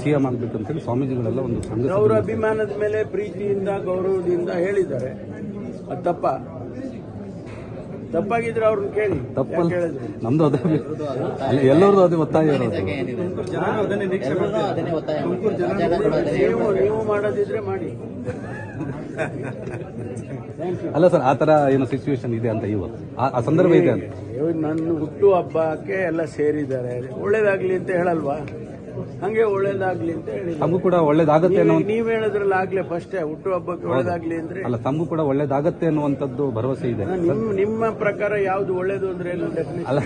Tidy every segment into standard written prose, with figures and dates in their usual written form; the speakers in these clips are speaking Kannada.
ಸಿಎಂ ಆಗಬೇಕು ಅಂತೇಳಿ ಸ್ವಾಮೀಜಿಗಳೆಲ್ಲ ಒಂದು ಸಂಘ ಅವರ ಅಭಿಮಾನದ ಮೇಲೆ ಪ್ರೀತಿಯಿಂದ ಗೌರವದಿಂದ ಹೇಳಿದ್ದಾರೆ. ಅದು ತಪ್ಪಾಗಿದ್ರೆ ಅವ್ರನ್ನ ಕೇಳಿ. ತಪ್ಪಲ್ಲ, ನಮ್ದು ಅದೇ, ಎಲ್ಲರದು ಅದೇ ಒತ್ತಾಯ ಇರೋದು. ನೀವು ಮಾಡೋದಿದ್ರೆ ಮಾಡಿ. ಅಲ್ಲ ಸರ್, ಆ ತರ ಏನೋ ಸಿಚುವೇಶನ್ ಇದೆ ಅಂತ ಇವತ್ತು ಆ ಸಂದರ್ಭ ಇದೆ ಅಂತ. ನನ್ನ ಹುಟ್ಟು ಹಬ್ಬಕ್ಕೆ ಎಲ್ಲ ಸೇರಿದ್ದಾರೆ, ಒಳ್ಳೇದಾಗ್ಲಿ ಅಂತ ಹೇಳಲ್ವಾ? ಹಂಗೆ ಒಳ್ಳೇದಾಗ್ಲಿ ಅಂತ ಹೇಳಿ. ತಮಗೂ ಕೂಡ ಒಳ್ಳೇದಾಗತ್ತೆ ಅನ್ನೋ, ನೀವ್ ಹೇಳಿದ್ರಲ್ಲ ಆಗ್ಲೇ ಫಸ್ಟ್ ಹುಟ್ಟು ಹಬ್ಬಕ್ಕೆ ಒಳ್ಳೇದಾಗ್ಲಿ ಅಂದ್ರೆ. ಅಲ್ಲ, ತಮಗೂ ಕೂಡ ಒಳ್ಳೇದಾಗತ್ತೆ ಅನ್ನುವಂಥದ್ದು ಭರವಸೆ ಇದೆ. ನಿಮ್ಮ ಪ್ರಕಾರ ಯಾವ್ದು ಒಳ್ಳೇದು ಅಂದ್ರೆ ಏನು? ಅಲ್ಲ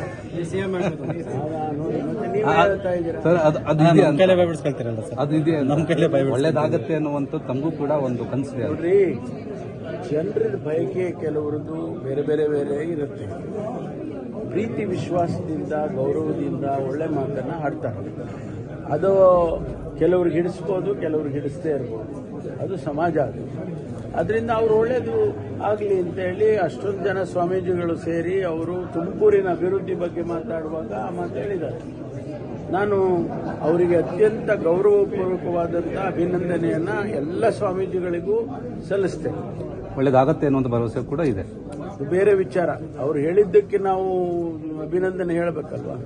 ನೀವ್ ಹೇಳ್ತಾ ಇದ್ದೀರಾ ಸರ್, ಅದು ಇದೆ, ಒಳ್ಳೇದಾಗತ್ತೆ ಅನ್ನುವಂಥದ್ದು ತಮಗೂ ಕೂಡ ಒಂದು ಕನಸಿದೆ. ನೋಡ್ರಿ, ಜನರ ಬಯಕೆ ಕೆಲವರದ್ದು ಬೇರೆ ಬೇರೆ ಬೇರೆ ಇರುತ್ತೆ. ಪ್ರೀತಿ ವಿಶ್ವಾಸದಿಂದ ಗೌರವದಿಂದ ಒಳ್ಳೆ ಮಾತನ್ನ ಆಡ್ತಾರೆ. ಅದು ಕೆಲವ್ರಿಗೆ ಹಿಡಿಸ್ಬೋದು, ಕೆಲವ್ರಿಗೆ ಹಿಡಿಸದೇ ಇರ್ಬೋದು. ಅದು ಸಮಾಜ. ಅದರಿಂದ ಅವ್ರು ಒಳ್ಳೇದು ಆಗಲಿ ಅಂತೇಳಿ ಅಷ್ಟೊಂದು ಜನ ಸ್ವಾಮೀಜಿಗಳು ಸೇರಿ ಅವರು ತುಮಕೂರಿನ ಅಭಿವೃದ್ಧಿ ಬಗ್ಗೆ ಮಾತಾಡುವಾಗ ಆ ಮಾತು ಹೇಳಿದ್ದಾರೆ. ನಾನು ಅವರಿಗೆ ಅತ್ಯಂತ ಗೌರವಪೂರ್ವಕವಾದಂಥ ಅಭಿನಂದನೆಯನ್ನ ಎಲ್ಲ ಸ್ವಾಮೀಜಿಗಳಿಗೂ ಸಲ್ಲಿಸ್ತೇನೆ. ಒಳ್ಳೇದಾಗತ್ತೆ ಅನ್ನುವಂಥ ಭರವಸೆ ಕೂಡ ಇದೆ. ಬೇರೆ ವಿಚಾರ, ಅವ್ರು ಹೇಳಿದ್ದಕ್ಕೆ ನಾವು ಅಭಿನಂದನೆ ಹೇಳಬೇಕಲ್ವಾ?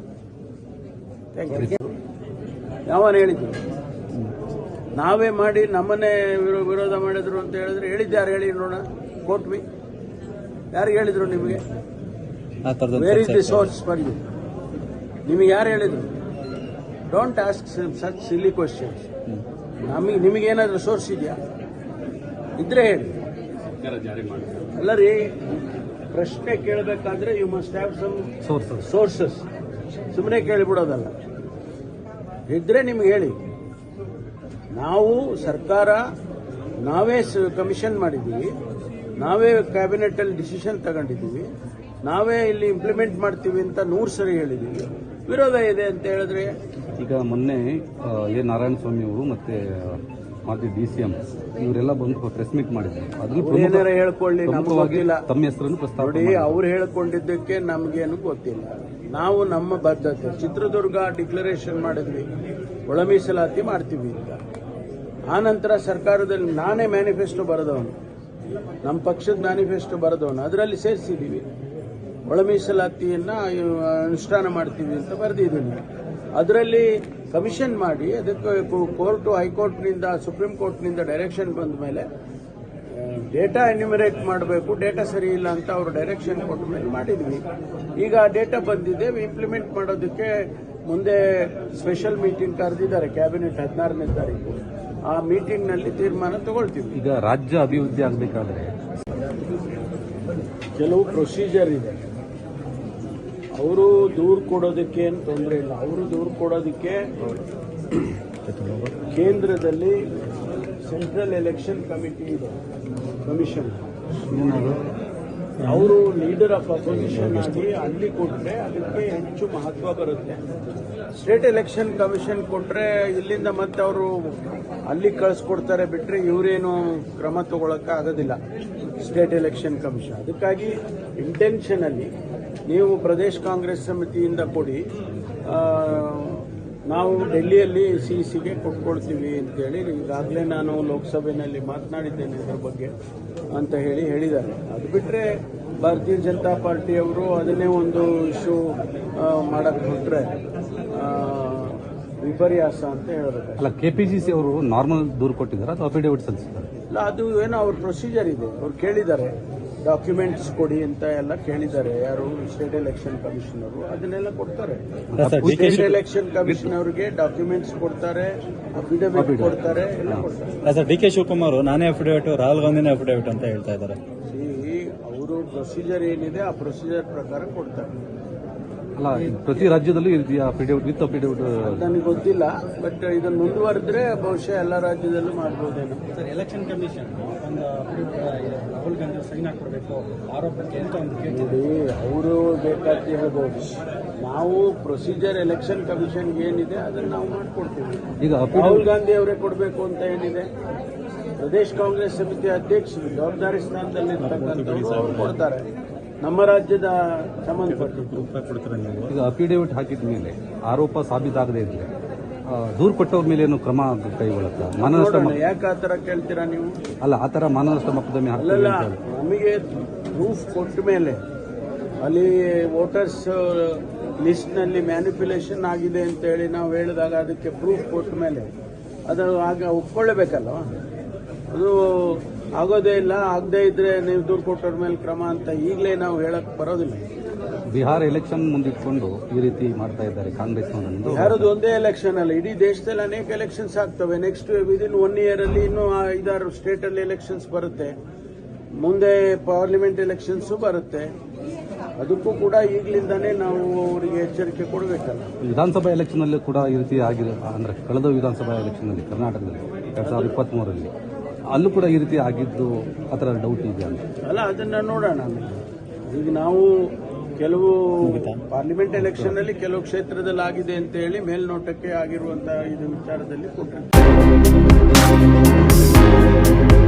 ಯಾವನು ಹೇಳಿದ್ರು? ನಾವೇ ಮಾಡಿ ನಮ್ಮನ್ನೇ ವಿರೋಧ ಮಾಡಿದ್ರು ಅಂತ ಹೇಳಿದ್ರೆ ಹೇಳಿದ್ಯಾರು ಹೇಳಿ ನೋಡೋಣ. ಕೋಟ್ವಿ ಯಾರು ಹೇಳಿದ್ರು ನಿಮಗೆ? Where is the source for you? ನಿಮಗೆ ಯಾರು ಹೇಳಿದ್ರು? Don't ask such silly questions. ನಿಮಗೇನಾದ್ರೂ ಸೋರ್ಸ್ ಇದೆಯಾ? ಇದ್ರೆ ಹೇಳಿ. ಅಲ್ಲ ರೀ, ಪ್ರಶ್ನೆ ಕೇಳಬೇಕಾದ್ರೆ you must have some sources. ಸುಮ್ಮನೆ ಕೇಳಿಬಿಡೋದಲ್ಲ. ಇದ್ರೆ ನಿಮ್ಗೆ ಹೇಳಿ. ನಾವು ಸರ್ಕಾರ ನಾವೇ ಕಮಿಷನ್ ಮಾಡಿದ್ದೀವಿ, ನಾವೇ ಕ್ಯಾಬಿನೆಟ್ ಅಲ್ಲಿ ಡಿಸಿಷನ್ ತಗೊಂಡಿದ್ದೀವಿ, ನಾವೇ ಇಲ್ಲಿ ಇಂಪ್ಲಿಮೆಂಟ್ ಮಾಡ್ತೀವಿ ಅಂತ 100 ಸರಿ ಹೇಳಿದ್ದೀವಿ. ವಿರೋಧ ಇದೆ ಅಂತ ಹೇಳಿದ್ರೆ ಈಗ ಮೊನ್ನೆ ಎ ನಾರಾಯಣಸ್ವಾಮಿ ಅವರು ಮತ್ತೆ ಮಾಜಿ DCM ಇವರೆಲ್ಲ ಬಂದು ಪ್ರೆಸ್ ಮೀಟ್ ಮಾಡಿದ್ರು. ಏನಾರ ಹೇಳ್ಕೊಳ್ಳಿ, ನಮ್ಗೆ ಗೊತ್ತಿಲ್ಲ. ತಮ್ಮ ಹೆಸರನ್ನು ಪ್ರಸ್ತಾವ ನೋಡಿ, ಅವ್ರು ಹೇಳ್ಕೊಂಡಿದ್ದಕ್ಕೆ ನಮ್ಗೇನು ಗೊತ್ತಿಲ್ಲ. ನಾವು ನಮ್ಮ ಬದ್ಧತೆ, ಚಿತ್ರದುರ್ಗ ಡಿಕ್ಲರೇಷನ್ ಮಾಡಿದ್ವಿ, ಒಳ ಮೀಸಲಾತಿ ಮಾಡ್ತೀವಿ ಅಂತ. ಆ ನಂತರ ಸರ್ಕಾರದಲ್ಲಿ ನಾನೇ ಮ್ಯಾನಿಫೆಸ್ಟೋ ಬರೆದವನು, ನಮ್ಮ ಪಕ್ಷದ ಮ್ಯಾನಿಫೆಸ್ಟೋ ಬರೆದವನು, ಅದರಲ್ಲಿ ಸೇರಿಸಿದ್ದೀವಿ ಒಳ ಮೀಸಲಾತಿಯನ್ನ ಅನುಷ್ಠಾನ ಮಾಡ್ತೀವಿ ಅಂತ ಬರೆದಿದ್ದೀನಿ. ಅದರಲ್ಲಿ ಕಮಿಷನ್ ಮಾಡಿ ಅದಕ್ಕೆ ಕೋರ್ಟು, ಹೈಕೋರ್ಟ್ನಿಂದ, ಸುಪ್ರೀಂ ಕೋರ್ಟ್ನಿಂದ ಡೈರೆಕ್ಷನ್ ಬಂದ ಮೇಲೆ ಡೇಟಾ ಎನ್ಯುಮರೇಟ್ ಮಾಡಬೇಕು, ಡೇಟಾ ಸರಿ ಇಲ್ಲ ಅಂತ ಅವರು ಡೈರೆಕ್ಷನ್ ಕೊಟ್ಟ ಮೇಲೆ ಮಾಡಿದ್ವಿ. ಈಗ ಡೇಟಾ ಬಂದಿದೆ, ಇಂಪ್ಲಿಮೆಂಟ್ ಮಾಡೋದಕ್ಕೆ ಮುಂದೆ ಸ್ಪೆಷಲ್ ಮೀಟಿಂಗ್ ಕರೆದಿದ್ದಾರೆ ಕ್ಯಾಬಿನೆಟ್ 16ನೇ ತಾರೀಕು. ಆ ಮೀಟಿಂಗ್ನಲ್ಲಿ ತೀರ್ಮಾನ ತಗೊಳ್ತೀವಿ. ಈಗ ರಾಜ್ಯ ಅಭಿವೃದ್ಧಿ ಆಗಬೇಕಾದ್ರೆ ಕೆಲವು ಪ್ರೊಸೀಜರ್ ಇದೆ. ಅವರು ದೂರು ಕೊಡೋದಕ್ಕೆ ಏನು ತೊಂದರೆ ಇಲ್ಲ. ಅವರು ದೂರು ಕೊಡೋದಕ್ಕೆ ಕೇಂದ್ರದಲ್ಲಿ ಸೆಂಟ್ರಲ್ ಎಲೆಕ್ಷನ್ ಕಮಿಟಿ ಇದೆ, ಕಮಿಷನ್. ಅವರು ಲೀಡರ್ ಆಫ್ ಅಪೋಸಿಷನ್ ಆಗಿ ಅಲ್ಲಿ ಕೊಟ್ಟರೆ ಅದಕ್ಕೆ ಹೆಚ್ಚು ಮಹತ್ವ ಬರುತ್ತೆ. ಸ್ಟೇಟ್ ಎಲೆಕ್ಷನ್ ಕಮಿಷನ್ ಕೊಟ್ಟರೆ ಇಲ್ಲಿಂದ ಮತ್ತೆ ಅವರು ಅಲ್ಲಿ ಕಳಿಸ್ಕೊಡ್ತಾರೆ ಬಿಟ್ಟರೆ ಇವರೇನು ಕ್ರಮ ತಗೊಳಕ್ಕೆ ಆಗೋದಿಲ್ಲ ಸ್ಟೇಟ್ ಎಲೆಕ್ಷನ್ ಕಮಿಷನ್. ಅದಕ್ಕಾಗಿ ಇಂಟೆನ್ಷನಲ್ಲಿ ನೀವು ಪ್ರದೇಶ ಕಾಂಗ್ರೆಸ್ ಸಮಿತಿಯಿಂದ ಕೊಡಿ, ನಾವು ಡೆಲ್ಲಿಯಲ್ಲಿ ಸಿಗೆ ಕೊಟ್ಕೊಳ್ತೀವಿ ಅಂತೇಳಿ ಈಗಾಗಲೇ ನಾನು ಲೋಕಸಭೆಯಲ್ಲಿ ಮಾತನಾಡಿದ್ದೇನೆ ಇದರ ಬಗ್ಗೆ ಅಂತ ಹೇಳಿದ್ದಾರೆ. ಅದು ಬಿಟ್ಟರೆ ಭಾರತೀಯ ಜನತಾ ಪಾರ್ಟಿಯವರು ಅದನ್ನೇ ಒಂದು ಇಶ್ಯೂ ಮಾಡಕ್ಕೆ ಹೊರಟ್ರೆ ವಿಪರ್ಯಾಸ ಅಂತ ಹೇಳಬೇಕು. ಅಲ್ಲ, KPCC ಅವರು ನಾರ್ಮಲ್ ದೂರು ಕೊಟ್ಟಿದ್ದಾರೆ ಅಥವಾ ಅಫಿಡೇವಿಟ್ ಸಲ್ಲಿಸಿದ್ದಾರೆ? ಇಲ್ಲ, ಅದು ಏನೋ ಅವ್ರ ಪ್ರೊಸೀಜರ್ ಇದೆ. ಅವ್ರು ಕೇಳಿದ್ದಾರೆ, ಡಾಕ್ಯುಮೆಂಟ್ಸ್ ಕೊಡಿ ಅಂತ ಎಲ್ಲ ಕೇಳಿದ್ದಾರೆ. ಯಾರು? ಸ್ಟೇಟ್ ಎಲೆಕ್ಷನ್ ಕಮಿಷನರು ಅದನ್ನೆಲ್ಲ ಕೊಡ್ತಾರೆ. ಸ್ಟೇಟ್ ಎಲೆಕ್ಷನ್ ಕಮಿಷನ್ ಅವರಿಗೆ ಡಾಕ್ಯುಮೆಂಟ್ಸ್ ಕೊಡ್ತಾರೆ, ಅಫಿಡವಿಟ್ ಕೊಡ್ತಾರೆ, ಎಲ್ಲ ಕೊಡ್ತಾರೆ. DK ಶಿವಕುಮಾರ್ ನಾನೇ ಅಫಿಡವಿಟ್, ರಾಹುಲ್ ಗಾಂಧಿನೇ ಅಫಿಡವಿಟ್ ಅಂತ ಹೇಳ್ತಾ ಇದ್ದಾರೆ. ಅವರು ಪ್ರೊಸೀಜರ್ ಏನಿದೆ ಆ ಪ್ರೊಸೀಜರ್ ಪ್ರಕಾರ ಕೊಡ್ತಾರೆ. ಅಲ್ಲ, ಪ್ರತಿ ರಾಜ್ಯದಲ್ಲೂ ಇದೆಯಾ ಅಫಿಡೇವಿಟ್ ವಿತ್ ಅಫಿಡೇವಿಟ್? ನನಗೆ ಗೊತ್ತಿಲ್ಲ, ಬಟ್ ಇದನ್ನು ಮುಂದುವರೆದ್ರೆ ಬಹುಶಃ ಎಲ್ಲ ರಾಜ್ಯದಲ್ಲೂ ಮಾಡ್ಬೋದೇನೋ. ಸರ್, ಎಲೆಕ್ಷನ್ ಕಮಿಷನ್ ಒಂದು ರಾಹುಲ್ ಗಾಂಧಿ ಸೈನ್ ಹಾಕೊಡ್ಬೇಕು ಆರೋಪಕ್ಕೆ ಅಂತ ಒಂದು ನೋಡಿ, ಅವರು ಬೇಕಾದ ಹೇಳ್ಬೋದು. ನಾವು ಪ್ರೊಸೀಜರ್ ಎಲೆಕ್ಷನ್ ಕಮಿಷನ್ ಏನಿದೆ ಅದನ್ನು ನಾವು ಮಾಡ್ಕೊಡ್ತೀವಿ. ಈಗ ರಾಹುಲ್ ಗಾಂಧಿ ಅವರೇ ಕೊಡಬೇಕು ಅಂತ ಏನಿದೆ? ಪ್ರದೇಶ ಕಾಂಗ್ರೆಸ್ ಸಮಿತಿ ಅಧ್ಯಕ್ಷರು ಜವಾಬ್ದಾರಿ ಸ್ಥಾನದಲ್ಲಿ ಇರ್ತಕ್ಕಂಥವ್ರು ಅವ್ರು ಕೊಡ್ತಾರೆ. ನಮ್ಮ ರಾಜ್ಯದ ಸಂಬಂಧಪಟ್ಟಿದ್ದು ಈಗ ಅಫಿಡೇವಿಟ್ ಹಾಕಿದ ಮೇಲೆ ಆರೋಪ ಸಾಬೀತಾಗದೇ ಇದ್ರೆ ದೂರು ಕೊಟ್ಟವ್ರ ಮೇಲೆ ಏನು ಕ್ರಮ ಕೈಗೊಳ್ಳುತ್ತಾ? ಮಾನನಷ್ಟ ನೋಡೋಣ, ಯಾಕೆ ಆ ಥರ ಕೇಳ್ತೀರಾ ನೀವು? ಅಲ್ಲ, ಆ ಥರ ಮಾನನಷ್ಟ ಮೊಕದ್ದಮೆ ಹಾಕ್ತೀವಿ ಅಲ್ಲಲ್ಲ, ಅಂತ ಹೇಳಿ. ನಮಗೆ ಪ್ರೂಫ್ ಕೊಟ್ಟ ಮೇಲೆ ಅಲ್ಲಿ ವೋಟರ್ಸ್ ಲಿಸ್ಟ್ನಲ್ಲಿ ಮ್ಯಾನಿಪ್ಯುಲೇಷನ್ ಆಗಿದೆ ಅಂತ ಹೇಳಿ ನಾವು ಹೇಳಿದಾಗ ಅದಕ್ಕೆ ಪ್ರೂಫ್ ಕೊಟ್ಟ ಮೇಲೆ ಅದನ್ನು ಆಗ ಒಪ್ಕೊಳ್ಳೇಬೇಕಲ್ವ? ಅದು ಆಗೋದೇ ಇಲ್ಲ, ಆಗದೇ ಇದ್ರೆ ನೀವು ದೂರು ಕೊಟ್ಟವ್ರ ಮೇಲೆ ಕ್ರಮ ಅಂತ ಈಗಲೇ ನಾವು ಹೇಳಕ್ ಬರೋದಿಲ್ಲ. ಬಿಹಾರ ಎಲೆಕ್ಷನ್ ಮುಂದಿಟ್ಕೊಂಡು ಈ ರೀತಿ ಮಾಡ್ತಾ ಇದ್ದಾರೆ ಕಾಂಗ್ರೆಸ್ನವರನ್ನು. ಯಾರದು ಒಂದೇ ಎಲೆಕ್ಷನ್ ಅಲ್ಲ, ಇಡೀ ದೇಶದಲ್ಲಿ ಅನೇಕ ಎಲೆಕ್ಷನ್ಸ್ ಆಗ್ತವೆ. ನೆಕ್ಸ್ಟ್ ವಿದಿನ್ 1 year ಅಲ್ಲಿ ಇನ್ನೂ 5-6 ಸ್ಟೇಟ್ ಅಲ್ಲಿ ಎಲೆಕ್ಷನ್ಸ್ ಬರುತ್ತೆ. ಮುಂದೆ ಪಾರ್ಲಿಮೆಂಟ್ ಎಲೆಕ್ಷನ್ಸ್ ಬರುತ್ತೆ. ಅದಕ್ಕೂ ಕೂಡ ಈಗಲಿಂದಾನೇ ನಾವು ಅವರಿಗೆ ಎಚ್ಚರಿಕೆ ಕೊಡಬೇಕಲ್ಲ. ವಿಧಾನಸಭಾ ಎಲೆಕ್ಷನ್ ಅಲ್ಲಿ ಕೂಡ ಈ ರೀತಿ ಆಗಿದೆ ಅಂದ್ರೆ ಕಳೆದ ವಿಧಾನಸಭಾ ಎಲೆಕ್ಷನ್ ಅಲ್ಲಿ ಕರ್ನಾಟಕದಲ್ಲಿ 2023ರಲ್ಲಿ ಅಲ್ಲೂ ಕೂಡ ಈ ರೀತಿ ಆಗಿದ್ದು ಆ ಥರ ಡೌಟ್ ಇದೆ ಅಂತ. ಅಲ್ಲ, ಅದನ್ನ ನೋಡೋಣ ಆಮೇಲೆ. ಈಗ ನಾವು ಕೆಲವು ಪಾರ್ಲಿಮೆಂಟ್ ಎಲೆಕ್ಷನ್ ಅಲ್ಲಿ ಕೆಲವು ಕ್ಷೇತ್ರದಲ್ಲಿ ಆಗಿದೆ ಅಂತ ಹೇಳಿ ಮೇಲ್ನೋಟಕ್ಕೆ ಆಗಿರುವಂತಹ ಇದು ವಿಚಾರದಲ್ಲಿ ಕೊಟ್ಟಿರ್ತೀವಿ.